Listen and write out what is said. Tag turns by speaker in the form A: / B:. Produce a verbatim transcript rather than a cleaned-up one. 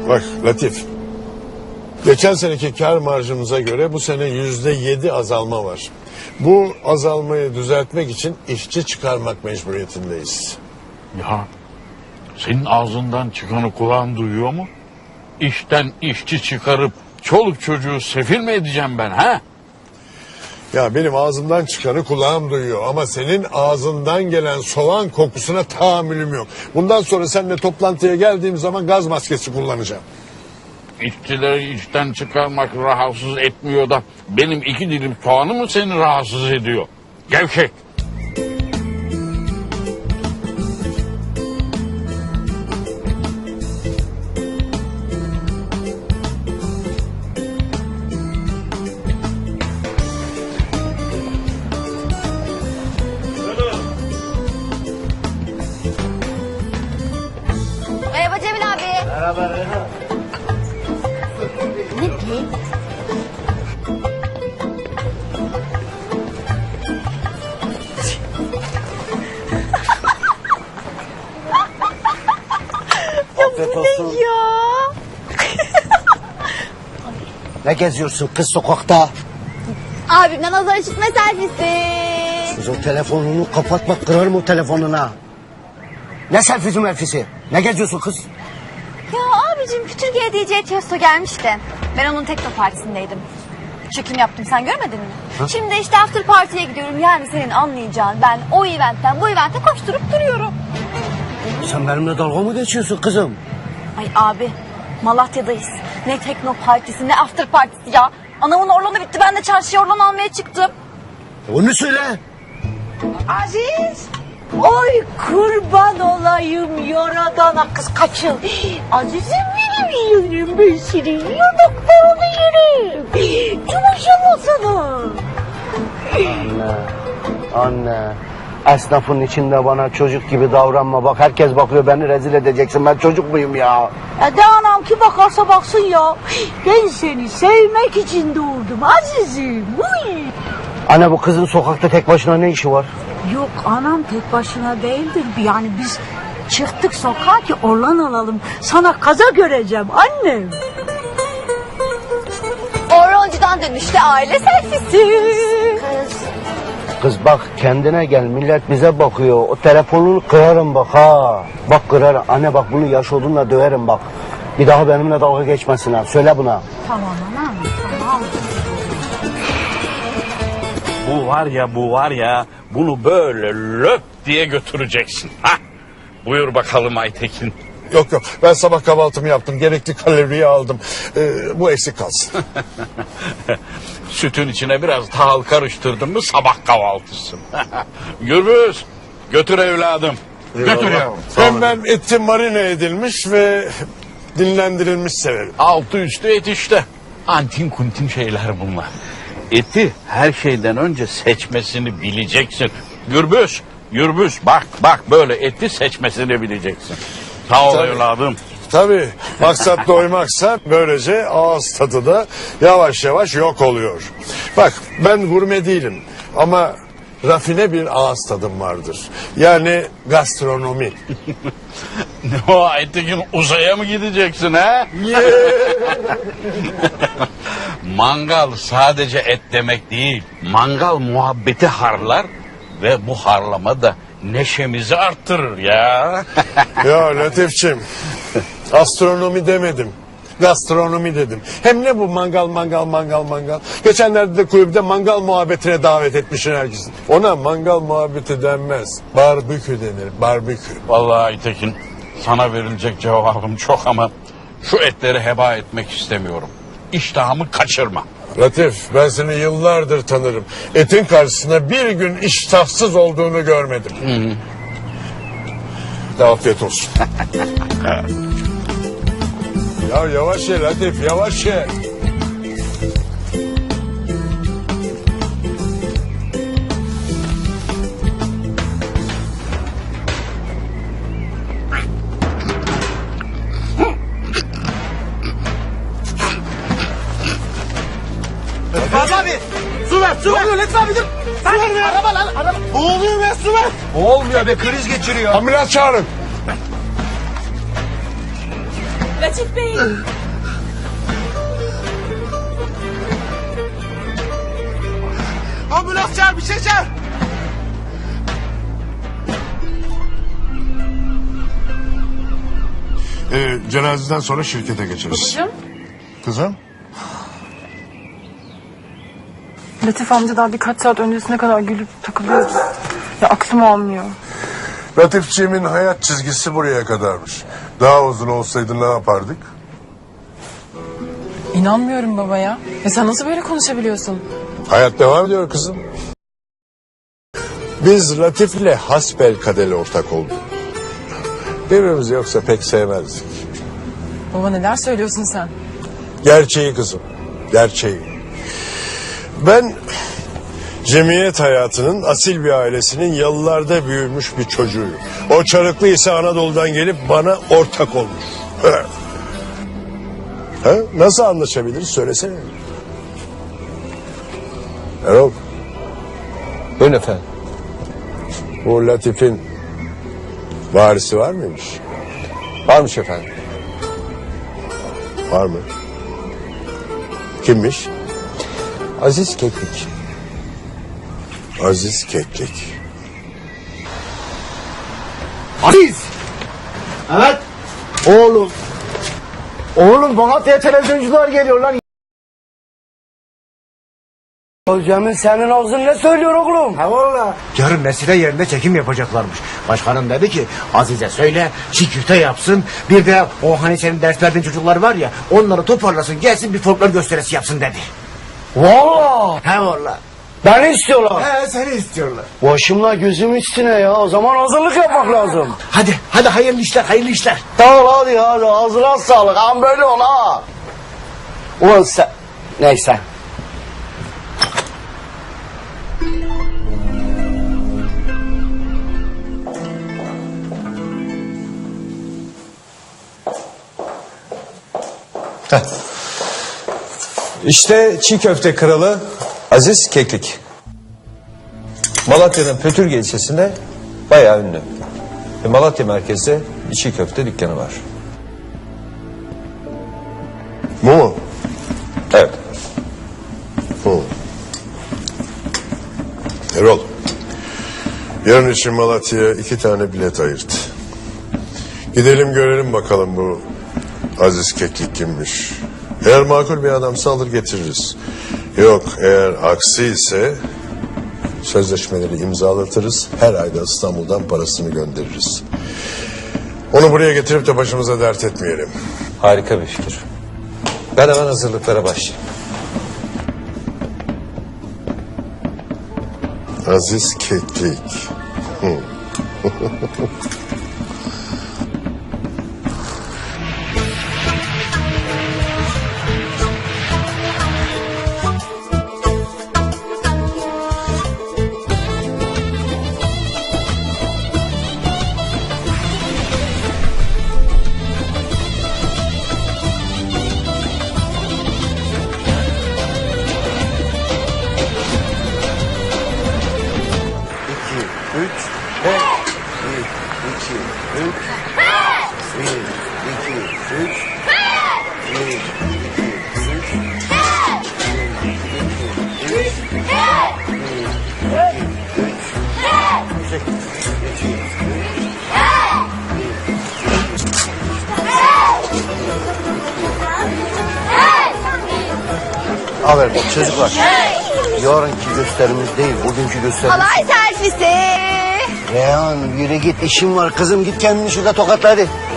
A: Bak Latif. Geçen seneki kar marjımıza göre bu sene yüzde yedi azalma var. Bu azalmayı düzeltmek için işçi çıkarmak mecburiyetindeyiz.
B: Ya senin ağzından çıkanı kulağın duyuyor mu? İşten işçi çıkarıp çoluk çocuğu sefil mi edeceğim ben ha?
A: Ya benim ağzımdan çıkanı kulağım duyuyor ama senin ağzından gelen soğan kokusuna tahammülüm yok. Bundan sonra seninle toplantıya geldiğim zaman gaz maskesi kullanacağım.
B: İşçileri işten çıkarmak rahatsız etmiyor da benim iki dilim soğanı mı seni rahatsız ediyor? Gevşek.
C: Merhaba Cemil abi.
D: Merhaba Reyhan.
C: Ne diyeyim?
D: Afiyet olsun.
C: Ya.
D: Ne geziyorsun kız sokakta?
C: Abimden azar işitme servisi.
D: Kız o telefonunu kapatma, kırarım o telefonuna. Ne selfisi melfisi? Ne geziyorsun kız?
C: Ya abicim Kütürge'ye D J Tiesto gelmişti. Ben onun tekno partisindeydim. Çekim yaptım, sen görmedin mi?
D: Ha?
C: Şimdi işte after party'ye gidiyorum. Yani senin anlayacağın ben o eventten bu evente koşturup duruyorum.
D: Sen benimle dalga mı geçiyorsun kızım?
C: Ay abi Malatya'dayız. Ne tekno partisi ne after partisi ya. Anamın orlanı bitti, ben de çarşıya orlan almaya çıktım.
D: Onu söyle.
E: Aziz. Oy kurban olayım yaradana kız kaçın. Azizim benim yerim ben senin yanaklarını yerim. Maşallah sana.
D: Anne, anne. Esnafın içinde bana çocuk gibi davranma. Bak herkes bakıyor, beni rezil edeceksin. Ben çocuk muyum ya?
E: E de anam ki bakarsa baksın ya. Ben seni sevmek için doğurdum azizim. Uy.
D: Anne, bu kızın sokakta tek başına ne işi var?
E: Yok anam tek başına değildir. Yani biz çıktık sokağa ki orlan alalım. Sana kaza göreceğim annem.
C: Orlancıdan dönüşte aile selfisi. Kız.
D: Kız bak kendine gel, millet bize bakıyor. O telefonunu kırarım bak ha. Bak kırarım. Anne bak, bunu yaş olduğunda döverim bak. Bir daha benimle dalga geçmesin ha. Söyle buna.
E: Tamam anam tamam.
B: Bu var ya bu var ya bunu böyle löp diye götüreceksin. Ha? Buyur bakalım Aytekin.
A: Yok yok, ben sabah kahvaltımı yaptım, gerekli kaloriyi aldım. Ee, bu eksik kalsın.
B: Sütün içine biraz tahıl karıştırdın mı sabah kahvaltısı. Gürbüz götür evladım. Götür ya.
A: Hem ben eti marine edilmiş ve dinlendirilmiş severim.
B: Altı üstü et işte. Antin kuntin şeyler bunlar. Eti her şeyden önce seçmesini bileceksin. Gürbüz, Gürbüz bak bak böyle eti seçmesini bileceksin. Sağ ol
A: Tabii.
B: evladım.
A: Tabii maksat doymaksa böylece ağız tadı da yavaş yavaş yok oluyor. Bak ben gurme değilim ama rafine bir ağız tadım vardır. Yani gastronomi.
B: Ne o Aytekin, uzaya mı gideceksin ha? Mangal sadece et demek değil. Mangal muhabbeti harlar ve bu harlama da neşemizi arttırır ya.
A: Ya Latifçim, astronomi demedim. Gastronomi dedim. Hem ne bu mangal mangal mangal mangal. Geçenlerde de kulüpte mangal muhabbetine davet etmişsin herkesin. Ona mangal muhabbeti denmez. Barbekü denir, barbekü.
B: Vallahi Aytekin, sana verilecek cevabım çok ama şu etleri heba etmek istemiyorum. İştahımı kaçırma.
A: Latif, ben seni yıllardır tanırım. Etin karşısında bir gün iştahsız olduğunu görmedim. De afiyet olsun. Ya yavaş ye Latif, yavaş ye.
F: Fazla abi. Su ver, su ver. Ne oluyor Lütfü abi dur. Su ver be. Araba lan, araba. Boğuluyor be, su ver.
D: Olmuyor be, kriz geçiriyor.
A: Ambulans çağırın.
C: Latif Bey.
F: Ambulans çağır, bir şey çağır.
A: Ee, cenazeden sonra şirkete geçeriz.
G: Babacığım.
A: Kızım?
G: Latif amca daha birkaç saat öncesine kadar gülüp takılıyoruz. Ya aklım almıyor.
A: Latifçiğimin hayat çizgisi buraya kadarmış. Daha uzun olsaydı ne yapardık?
G: İnanmıyorum baba ya. Ya sen nasıl böyle konuşabiliyorsun?
A: Hayat devam ediyor kızım. Biz Latif'le hasbelkader ortak olduk. Birbirimizi yoksa pek sevmezdik.
G: Baba neler söylüyorsun sen?
A: Gerçeği kızım, gerçeği. Ben cemiyet hayatının asil bir ailesinin yalılarda büyümüş bir çocuğuyum. O Çarıklı ise Anadolu'dan gelip bana ortak olmuş. Ha? Ha? Nasıl anlaşabiliriz söylesene. Erol.
H: Buyurun efendim.
A: Bu Latif'in varisi var mıymış?
H: Varmış efendim.
A: Var mı? Kimmiş?
H: Aziz Keklik.
A: Aziz Keklik.
D: Aziz! Evet. Oğlum. Oğlum Malatya'ya televizyoncular geliyor lan. Cemil senin ağzın ne söylüyor oğlum?
I: Ha valla. Yarın mesire yerinde çekim yapacaklarmış. Başkanım dedi ki Azize söyle çiğ köfte yapsın. Bir de o hani senin ders verdiğin çocuklar var ya onları toparlasın gelsin bir folklor gösterisi yapsın dedi.
D: Valla.
I: Ha valla.
D: Beni istiyorlar.
I: He seni istiyorlar.
D: Başımla gözüm üstüne ya. O zaman hazırlık yapmak lazım.
I: Hadi hadi hayırlı işler hayırlı işler.
D: Tamam hadi hadi ağzına sağlık. Am böyle ol ha. Ulan sen... Neyse.
H: İşte çiğ köfte kralı Aziz Keklik. Malatya'nın Pötürge ilçesinde bayağı ünlü. Ve Malatya merkezde bir çiğ köfte dükkanı var.
A: Bu mu?
H: Evet.
A: Bu. Erol. Yarın için Malatya'ya iki tane bilet ayırt. Gidelim görelim bakalım bu Aziz Keklik kimmiş. Eğer makul bir adamsa alır getiririz. Yok eğer aksi ise sözleşmeleri imzalatırız. Her ayda İstanbul'dan parasını göndeririz. Onu buraya getirip de başımıza dert etmeyelim.
H: Harika bir fikir. Ben hemen hazırlıklara başlayayım.
A: Aziz Keklik. Hı.
D: Haber bak çocuklar. Yarınki gösterimiz değil, bugünkü gösterimiz.
C: Halay selfisi.
D: Reyhan yürü git işim var kızım, git kendini şurada tokatla hadi.